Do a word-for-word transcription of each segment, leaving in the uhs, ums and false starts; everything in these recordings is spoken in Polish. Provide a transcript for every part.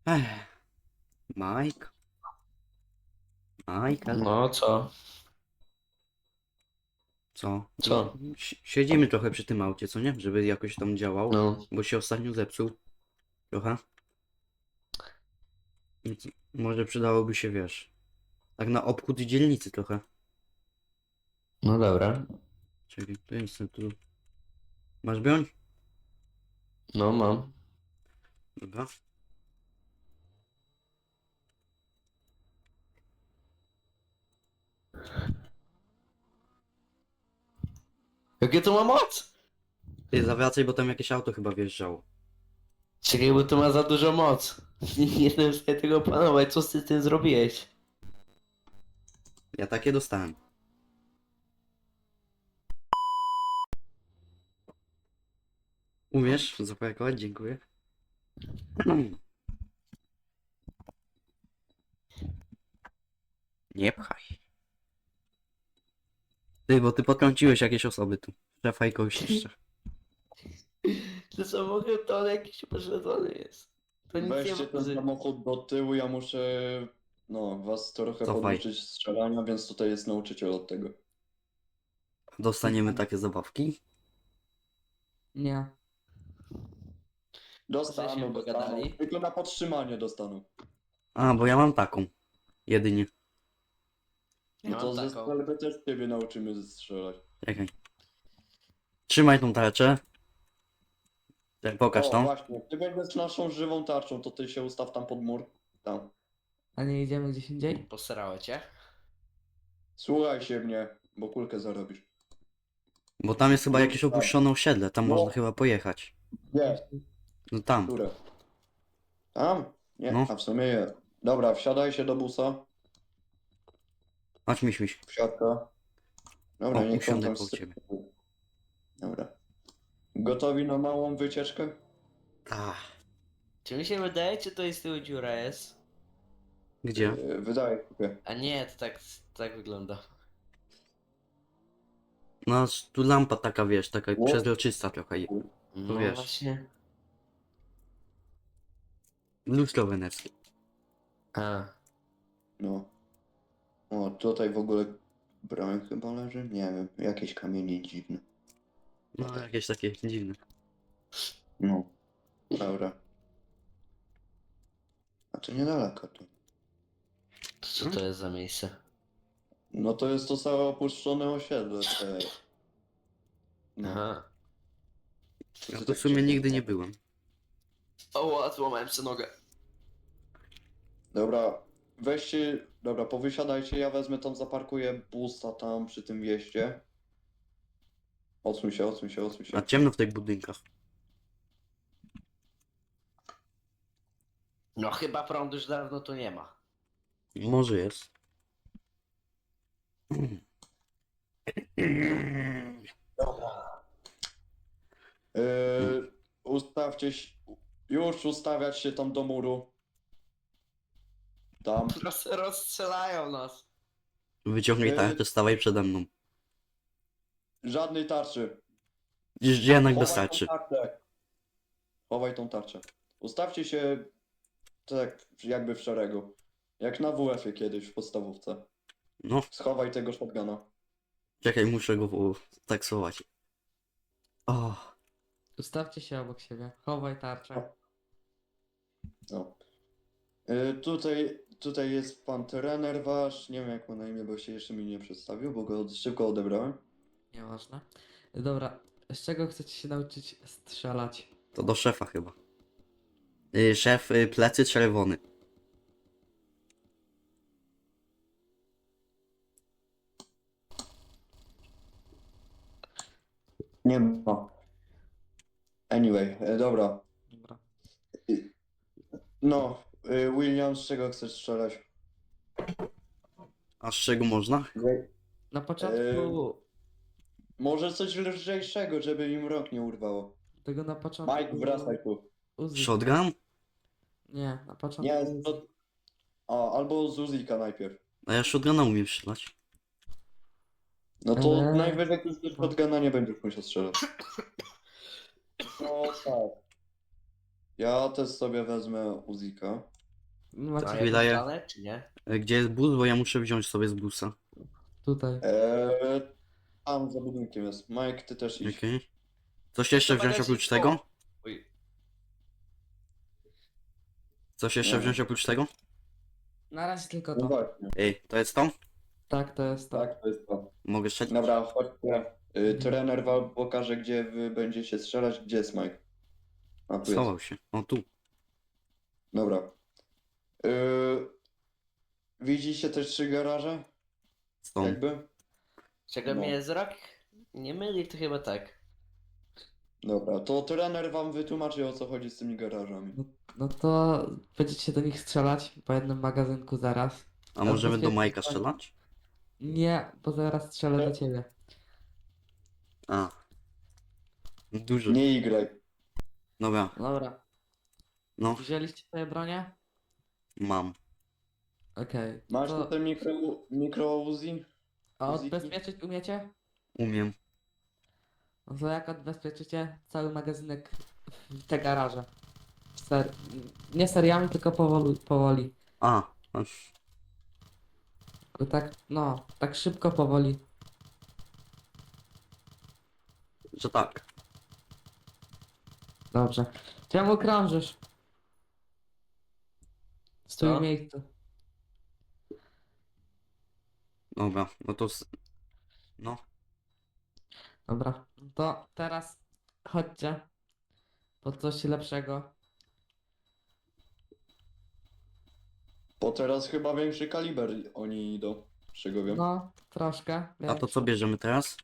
Ech, Mike, Michael, No co? co? Co? Si- Siedzimy trochę przy tym aucie, co nie? Żeby jakoś tam działał, No. bo się ostatnio zepsuł trochę. Więc może przydałoby się, wiesz, tak na obchód dzielnicy trochę. No dobra. Czyli to jest tu. Masz broń? No mam. Dobra. Jakie to ma moc? Ty zawracaj, bo tam jakieś auto chyba wjeżdżało. Czekaj, bo to ma za dużo moc. Nie nie jestem w stanie tego opanować. Co ty z tym zrobiłeś? Ja takie dostałem. Umiesz zapakować? Dziękuję. Nie pchaj. Ty, bo ty potrąciłeś jakieś osoby tu. Szefa i kogoś jeszcze. To samochód to on jakiś pośledzony jest. To nic nie Weźcie ten waży. samochód do tyłu, ja muszę no, was trochę Cofaj. poduczyć strzelania, więc tutaj jest nauczyciel od tego. Dostaniemy takie zabawki. Nie. Dostaną, Żeśmy dostaną. pogadali. Tylko na podtrzymanie dostaną. A, bo ja mam taką. Jedynie. Ja No to mam ze taką. strzelby też ciebie nauczymy strzelać. Czekaj. Trzymaj tą tarczę. Tak, pokaż O, tą. właśnie, ty będziesz naszą żywą tarczą, to ty się ustaw tam pod mur. Tam. A nie idziemy gdzieś indziej? Posrało cię? Słuchaj się mnie, bo kulkę zarobisz. Bo tam jest chyba jakieś opuszczone osiedle. Tam No. można chyba pojechać. Nie, No tam. które? Tam? Nie, No. a w sumie je. Dobra, wsiadaj się do busa. Chodź, miś, miś. Wsiadka. Dobra, O, niech on usiądę tam koło sypie. ciebie. Dobra. Gotowi na małą wycieczkę? Ach, Czy mi się wydaje, czy to jest tyłu dziura jest? gdzie? Yy, wydaje się. A nie, to tak, tak wygląda. No, tu lampa taka, wiesz, taka Ło- przezroczysta trochę. No wiesz. właśnie. Lustro weneckie. A. No. O, tutaj w ogóle broń chyba leży? Nie wiem, jakieś kamienie dziwne. No, jakieś takie dziwne. No. Dobra. A to niedaleko tu. To co to jest za miejsce? No to jest to całe opuszczone osiedle. Te... No. Aha. Ja to w sumie nigdy nie byłem. O, złamałem sobie nogę. Dobra, weźcie, dobra, powysiadajcie, ja wezmę tam, zaparkuję busa tam przy tym wjeździe. Odsuń się, odsuń się, odsuń się. A ciemno w tych budynkach. No chyba prądu już dawno tu nie ma. Może jest. Yy, ustawcie się, już ustawiać się tam do muru. Tam. Roz, rozstrzelają nas. Wyciągnij Yy. tarczę, stawaj przede mną. Żadnej tarczy. Gdzieś jednak Chowaj wystarczy. tą tarczę. Chowaj tą tarczę. Ustawcie się tak jakby w szeregu. Jak na W F-ie kiedyś w podstawówce. No, Schowaj tego shotguna. czekaj, muszę go w- taksować. O, Ustawcie się obok siebie. Chowaj tarczę. No. Y, tutaj, tutaj jest pan trener wasz. Nie wiem jak ma na imię, bo się jeszcze mi nie przedstawił, bo go od- szybko odebrałem. Nieważne. Dobra, z czego chcecie się nauczyć strzelać? to do szefa chyba. Y, Szef, y, plecy czerwony. Nie ma. Anyway, e, dobra. Dobra. No, y, William, z czego chcesz strzelać? A z czego można? Na początku... Może coś lżejszego, żeby im rok nie urwało. Tego na początku... Mike, wracaj tu. Uzi. Shotgun? Nie, na początku... Nie, Uzi. to... O, albo z Uzika najpierw. A ja shotguna umiem strzelać. No to Eee. najwyżej już z shotguna nie będziesz musiał strzelać. No tak. Ja też sobie wezmę Uzika. Macie A Chwila, jakąś ja- planę, czy nie? E, Gdzie jest bus? Bo ja muszę wziąć sobie z busa. tutaj. Eee, tam za budynkiem jest. Mike, ty też idź. Okej. Coś jeszcze To wziąć magazyn- oprócz tego? Oj, Coś jeszcze Nie. wziąć oprócz tego? Na razie tylko No to. właśnie. Ej, to jest to? Tak, to jest to. Tak, to jest to. Mogę strzelać? Dobra, chodźcie. Y, trener wam pokaże, gdzie wy będziecie strzelać. Gdzie jest Mike? A, tu jest. Schował się. O, tu. Dobra. Y, widzicie te trzy garaże? Są. Jakby? czego No. mnie wzrok nie myli, to chyba tak. Dobra, to trener wam wytłumaczy, o co chodzi z tymi garażami. No to będziecie do nich strzelać po jednym magazynku zaraz. A możemy do bezpiecznie Majka to- strzelać? Nie, bo zaraz strzelę do ciebie. A. Duży. Nie igraj. Dobra, Dobra. no, Wzięliście swoje bronie? mam. Okej. Masz To... tutaj mikro, mikro Uzi? A Uziki? odbezpieczyć umiecie? Umiem. No to jak odbezpieczycie cały magazynek w te garaże? Ser... Nie seriami, tylko powoli. powoli. A. aż- Bo tak, no, tak szybko, powoli. Że tak. Dobrze. Czemu krążysz? Stój Co? w miejscu. Dobra, no to... s- No. Dobra. To teraz chodźcie po coś lepszego. Bo teraz chyba większy kaliber oni idą. Z czego wiem. No, troszkę. A to co większy. bierzemy teraz?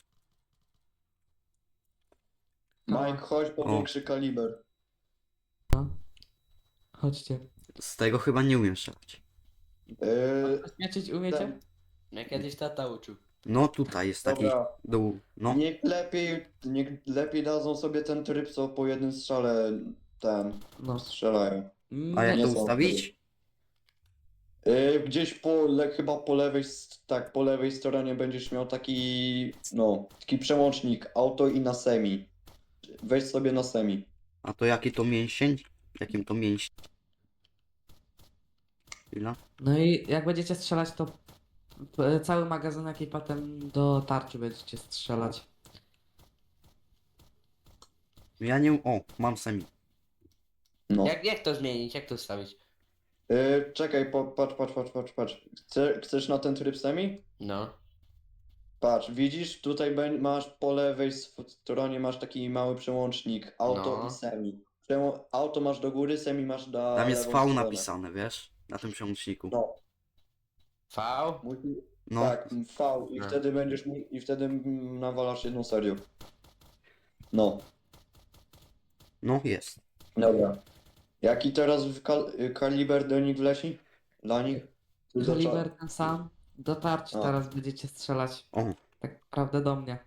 Mike, chodź po O. większy kaliber. No. Chodźcie. Z tego chyba nie umiem strzelać. Yy, Odbezpieczyć umiecie? ten, Jak kiedyś tata uczył. No tutaj jest taki dobra, dół. No. niech lepiej, niech lepiej dadzą sobie ten tryb, co po jednym strzale ten No. strzelają. A jak Nie, to nie są ustawić? Yy, gdzieś po, le, chyba po lewej, s- tak, po lewej stronie będziesz miał taki, no, taki przełącznik auto i na semi. Weź sobie na semi. A to jaki to mięsień? Jakim to mięsień? Chwila. No i jak będziecie strzelać, to p- cały magazynek i potem do tarczy będziecie strzelać. Ja nie... O, mam semi. No. Jak, jak to zmienić? Jak to ustawić? Yy, czekaj, po, patrz, patrz, patrz, patrz, patrz. Chce, chcesz na ten tryb semi? No. Patrz, widzisz, tutaj bę- masz po lewej s- stronie masz taki mały przełącznik auto No. i semi. Przełą- auto masz do góry, semi masz na Tam jest lewą V stronę. napisane, wiesz? Na tym przełączniku. No, V? musi, No. tak, V i No. wtedy będziesz mu- i wtedy mm, nawalasz jedną serią. No, No jest. dobra. Jaki teraz w kal y, kaliber do nich wleci? Dla nich? Czy do Kaliber cza- ten sam. Do tarczy A. teraz będziecie strzelać. O, Tak naprawdę do mnie.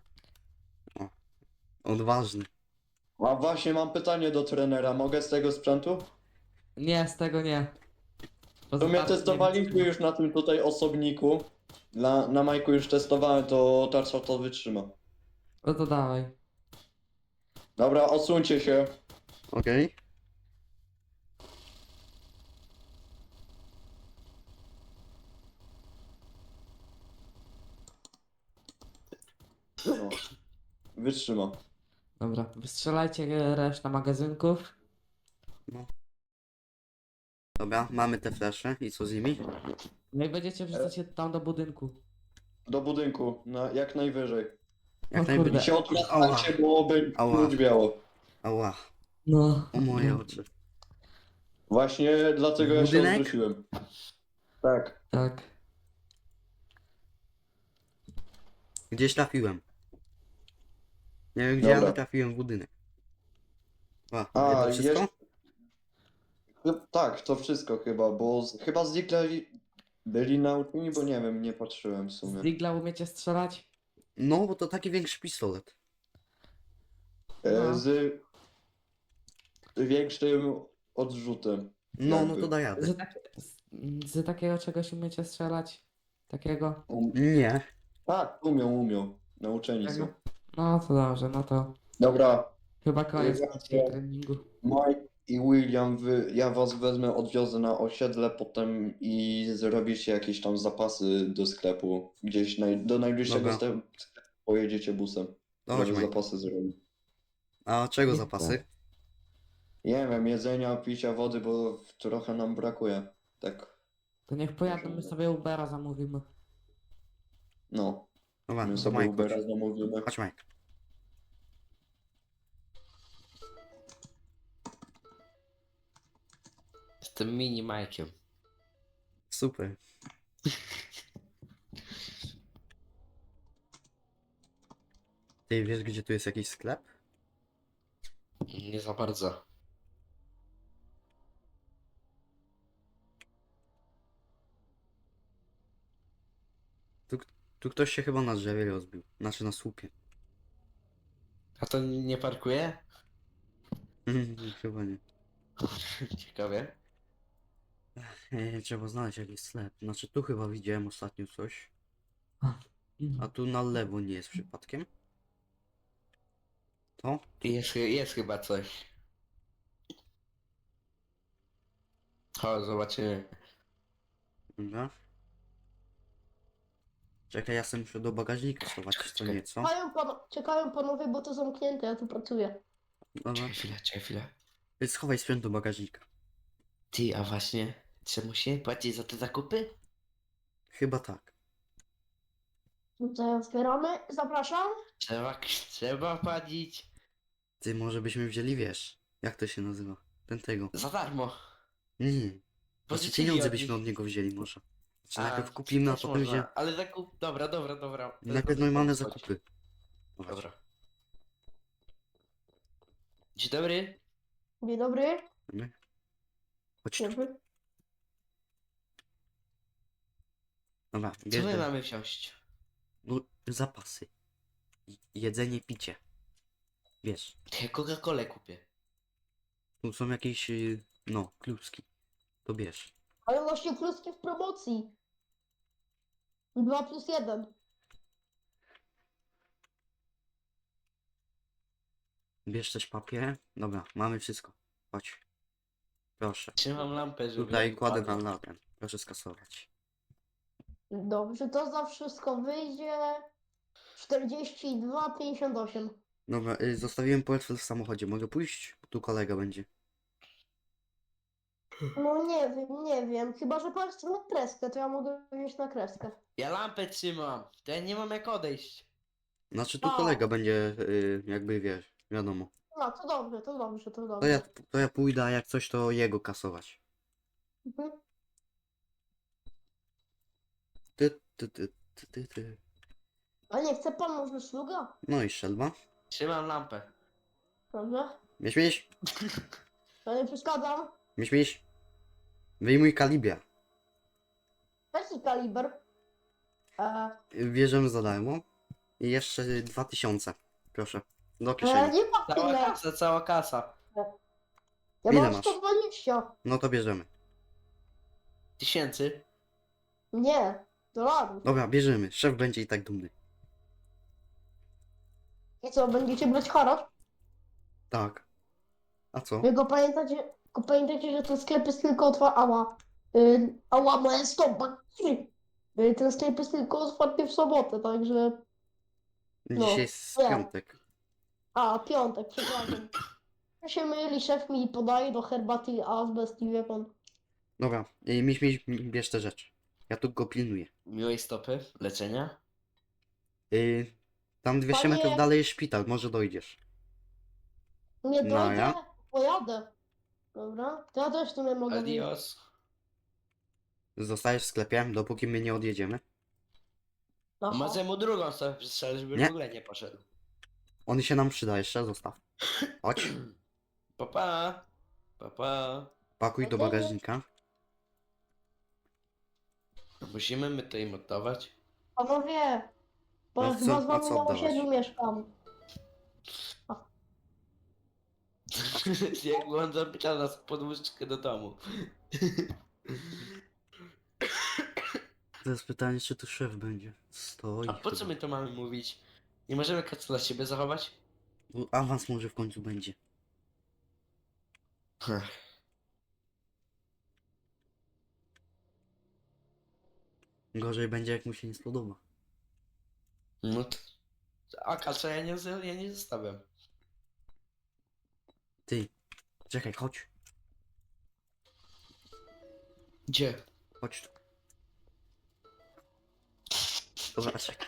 odważny. A właśnie mam pytanie do trenera, mogę z tego sprzętu? Nie, z tego nie. Bo To z mnie tarczy nie testowaliśmy wytrzyma. już na tym tutaj osobniku. Na, na Majku już testowałem, to tarcza to wytrzyma. No to dawaj. Dobra, odsuńcie się. Okej. No. Wytrzyma. Dobra, wystrzelajcie resztę magazynków. Dobra, mamy te flesze i co z nimi? No i będziecie wrzucać je tam do budynku. Do budynku, na, jak najwyżej. Jak O najwyżej. kurde. I się odwracajcie, bo będzie Ała. biało. Ała, No. o moje oczy. Właśnie dlatego ja się Budynek? odwróciłem. Tak. Tak. Gdzieś trafiłem. Nie wiem gdzie, Dobra. ale trafiłem w budynek. A, A, to wszystko? jeszcze- Chy- Tak, to wszystko chyba, bo z, chyba zwykle byli nauczeni, bo nie wiem, nie patrzyłem w Z sumie. digla umiecie strzelać? No, bo to taki większy pistolet. E, No. z większym odrzutem. No, no Jakby. to da jadę. Z, tak, z, z takiego czegoś umiecie strzelać? Takiego? Um, Nie. tak, umią, umią. Nauczeni są. No to dobrze, no to Dobra, chyba koniec Dobra. dzisiaj treningu. Mike, i William, wy, ja was wezmę, odwiozę na osiedle potem i zrobicie jakieś tam zapasy do sklepu. Gdzieś naj, do najbliższego Dobra. sklepu pojedziecie busem. To chodź, Żeby Mike. zapasy zrobić. A czego Nie zapasy? Nie wiem, jedzenia, picia, wody, bo trochę nam brakuje. Tak, To niech pojadą, my sobie Ubera zamówimy. no. Dobra, My to sobie Mike, Ubera chodź. zamówimy. Chodź, Mike. Jestem mini Majkiem. Super. Ty wiesz, gdzie tu jest jakiś sklep? Nie za bardzo. Tu ktoś się chyba na drzewie rozbił. Znaczy na słupie. A to nie parkuje? Chyba nie. Ciekawie. E, trzeba znaleźć jakiś sklep. Znaczy tu chyba widziałem ostatnio coś. A Mhm. tu na lewo nie jest przypadkiem? To? Jest, jest chyba coś. Chodź, zobaczymy. Dobra. Czekaj, ja sobie muszę do bagażnika schować Czekaj, co czekaj. nieco. Czekają, pan, czekają panowie, bo to zamknięte, ja tu pracuję. Dobra. Czekaj chwilę, czekaj chwilę. Ty schowaj sprzęt do bagażnika. Ty, a właśnie, czy musimy płacić za te zakupy? Chyba tak. Tutaj otwieramy, zapraszam. Trzeba, trzeba płacić. Ty może byśmy wzięli, wiesz, jak to się nazywa? Ten tego. Za darmo. Nie. Znaczy Pożyczyli pieniądze od byśmy nich. od niego wzięli może. Znaczy A, najpierw kupimy, a też potem można. wzięli. Ale zakup... Dobra, dobra, dobra. To Najpierw jest normalne dobry pomysł, zakupy. Dobra. Dobra. Dzień dobry. Dzień dobry. Dobra. Chodź Dzień tu. dobry. Dobra, Co bierz my do- mamy wziąć? no, zapasy. I- Jedzenie, picie. Wiesz, Ja Coca-Colę kupię. tu są jakieś, y, no, kluski. To bierz. Ale właśnie kluski w promocji. Dwa plus jeden. Bierz też papier. Dobra, mamy wszystko. Chodź. Proszę. Trzymam lampę, żeby... Tutaj nie kładę na wypadła. latem. Proszę skasować. Dobrze, to za wszystko wyjdzie czterdzieści dwa pięćdziesiąt osiem. Dobra, y, zostawiłem portfel w samochodzie. Mogę pójść? Tu kolega będzie. No nie wiem, nie wiem. Chyba, że pan chce na kreskę, to ja mogę wziąć na kreskę. Ja lampę trzymam. To ja nie mam jak odejść. Znaczy tu A. kolega będzie, y, jakby wiesz, wiadomo. No, to dobrze, to dobrze, to To dobrze. ja, to ja pójdę, a jak coś to jego kasować. Mhm. Ty, ty, ty, ty, ty, ty. A nie chce pan może sługa? No i strzelba. Trzymam lampę. Dobrze. Miś, miś, Ja nie przeszkadzam. miś, miś. Wyjmuj kaliber. Jaki kaliber? E, Bierzemy za darmo. I jeszcze dwa tysiące. Proszę. Do e, kieszeni. nie ma Cała tyle. kasa, cała kasa. Ja Ile mam masz? sto dwadzieścia. No to bierzemy. Tysięcy. Nie, dolarów. Dobra, bierzemy. Szef będzie i tak dumny. I co, będziecie brać haracz? Tak. A co? Tylko pamiętacie, tylko pamiętajcie, że ten sklep jest tylko otwarty. Ała. Y, ała, moja stopa. Y, ten sklep jest tylko otwarty w sobotę, także. No, Dzisiaj jest ja. piątek. A, piątek, przepraszam. Ja się myli, szef mi podaje do herbaty azbest i wie pan. Dobra, i miś, miś, bierz te rzeczy. Ja tu go pilnuję. Miłej stopy. Leczenia. Yy, tam dwieście Panie- metrów dalej jest szpital, może dojdziesz. Nie No, dojdę, ja? pojadę. Dobra, to ja też tu nie mogę wyjść. Adios. Zostajesz w sklepie, dopóki my nie odjedziemy. Aha. Może mu drugą stopę przestrzelę, żeby Nie. w ogóle nie poszedł. On się nam przyda, jeszcze zostaw. Chodź, Papa. Papa. pakuj do bagażnika. Musimy my to im oddawać. Panowie, bo No ja co- chyba z a wami co na oddawać? osiedlu mieszkam. Jak on zapiera nas podwózczkę do domu. To jest pytanie, czy tu szef będzie. Stoi A po co chyba. my to mamy mówić? Nie możemy kac dla siebie zachować? Bo awans może w końcu będzie. Gorzej będzie, jak mu się nie spodoba. No to... A kacza ja nie, z- ja nie zostawiam. Ty, czekaj, chodź. Gdzie? Chodź tu. Dobra, czekaj.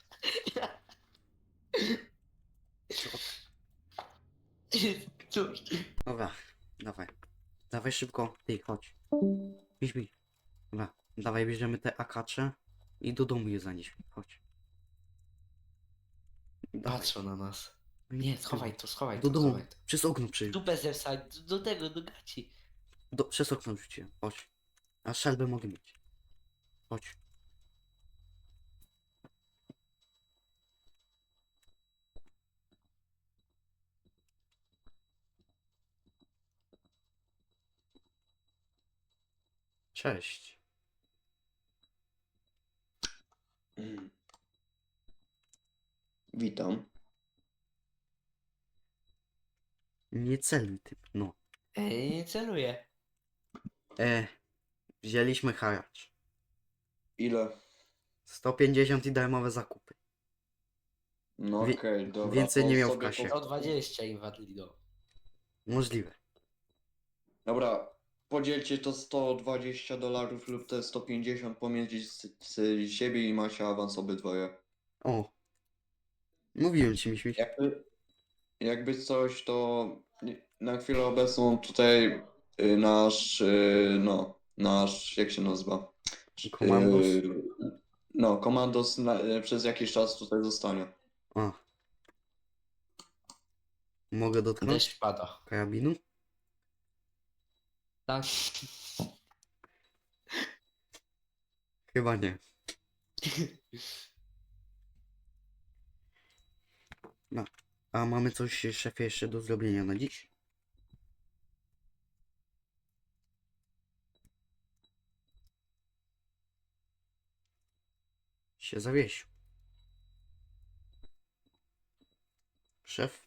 Cóż. Dobra, dawaj. Dawaj szybko. Ty, chodź. Idź, idź. Dobra, dawaj, bierzemy te akacze i do domu je zanieśmy. Chodź. Dawaj. Patrzą na nas. Nie, schowaj to, schowaj Do to, domu. schowaj to. Przez okno przyjdź. Dupę zewsać, do tego, do gaci. Do, przez okno rzuciłem. Chodź. A szelbę mogę mieć. Chodź. Cześć. Mm. Witam. Nie celuj, typ. No. Ej, nie celuję. E, wzięliśmy haracz. Ile? sto pięćdziesiąt i darmowe zakupy. No Wie- okej, dobra. więcej to nie miał w sobie kasie. po- sto dwadzieścia im wadli do. Możliwe. Dobra, podzielcie to sto dwadzieścia dolarów lub te sto pięćdziesiąt pomiędzy z, z siebie i macie awans obydwoje. O. Mówiłem ci, Miśmiś. Jakby, jakby coś, to na chwilę obecną tutaj y, nasz, y, no, nasz, jak się nazywa? Komandos? Y, no, komandos na, y, przez jakiś czas tutaj zostanie. A. Mogę dotknąć Deszcz pada. karabinu? Tak. Chyba nie. No. A mamy coś, szefie, jeszcze do zrobienia na dziś? Się zawiesił. Szef?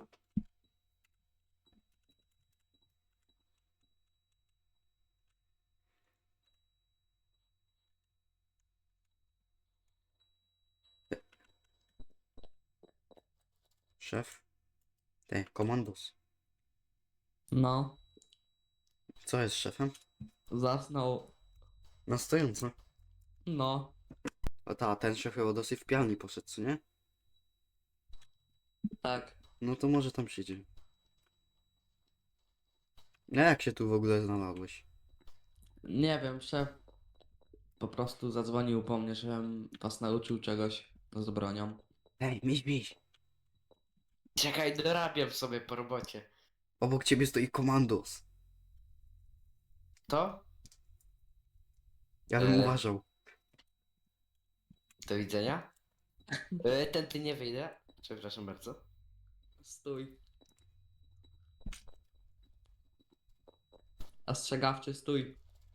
Szef? Te, komandos. No, Co jest z szefem? zasnął. Na stojąco. No, A ta, ten szef chyba dosyć w pialni poszedł, co nie? tak. No to może tam przyjdzie. A jak się tu w ogóle znalazłeś? Nie wiem, szef po prostu zadzwonił po mnie, żebym was nauczył czegoś z bronią. Hej, miś, miś. Czekaj, dorabiam sobie po robocie. Obok ciebie stoi komandos. To? Ja bym E. uważał. Do widzenia. E, ten ty nie wyjdę. Przepraszam bardzo. Stój. Ostrzegawczy, stój.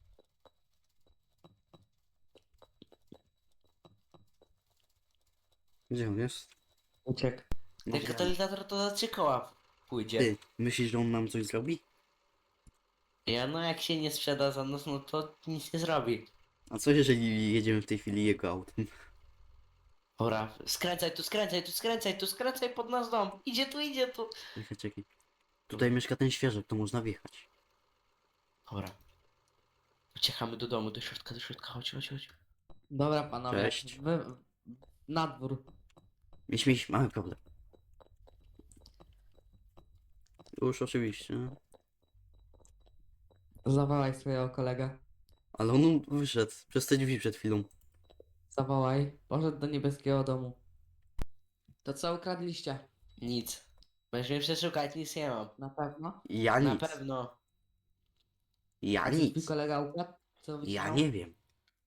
Gdzie on jest? Uciekł. Ten Może- katalizator to za trzy koła pójdzie. Ty, myślisz, że on nam coś zrobi? Ja no jak się nie sprzeda za nos, no to nic nie zrobi. A co jeżeli jedziemy w tej chwili jego autem? Dobra, skręcaj tu, skręcaj tu, skręcaj tu, skręcaj pod nasz dom. Idzie tu, idzie tu. Czekaj, czekaj. Tutaj mieszka ten świeżek, to można wjechać. Dobra. Uciekamy do domu, do środka, do środka, chodź, chodź, chodź. Dobra, panowie. Cześć. Wy... Na dwór. Miś, miś, mamy problem. Już oczywiście. Zawołaj swojego kolegę. Ale on wyszedł przez te drzwi przed chwilą. Zawołaj. Poszedł do niebieskiego domu. To co ukradliście? Nic. Będziesz mnie przeszukać, nic nie mam. Na pewno? Ja Na nic. pewno. Ja A co twój nic. kolega ukradł? Co Ja wycinał? nie wiem.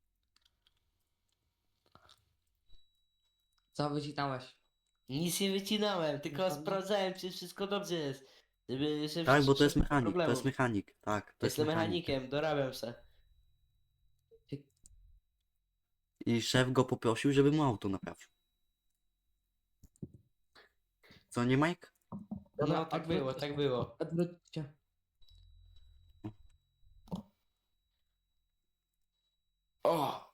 Co wycinałeś? Nic nie wycinałem, tylko Naprawdę? sprawdzałem, czy wszystko dobrze jest. Żeby, żeby Tak, bo to jest żeby mechanik, to problemu. jest mechanik. Tak, to jest Jestem mechanik. mechanikiem, dorabiam se. I szef go poprosił, żeby mu auto naprawił. Co nie, Mike? No, Dobra, tak odwróćcie było, się. tak było. Odwróćcie. O!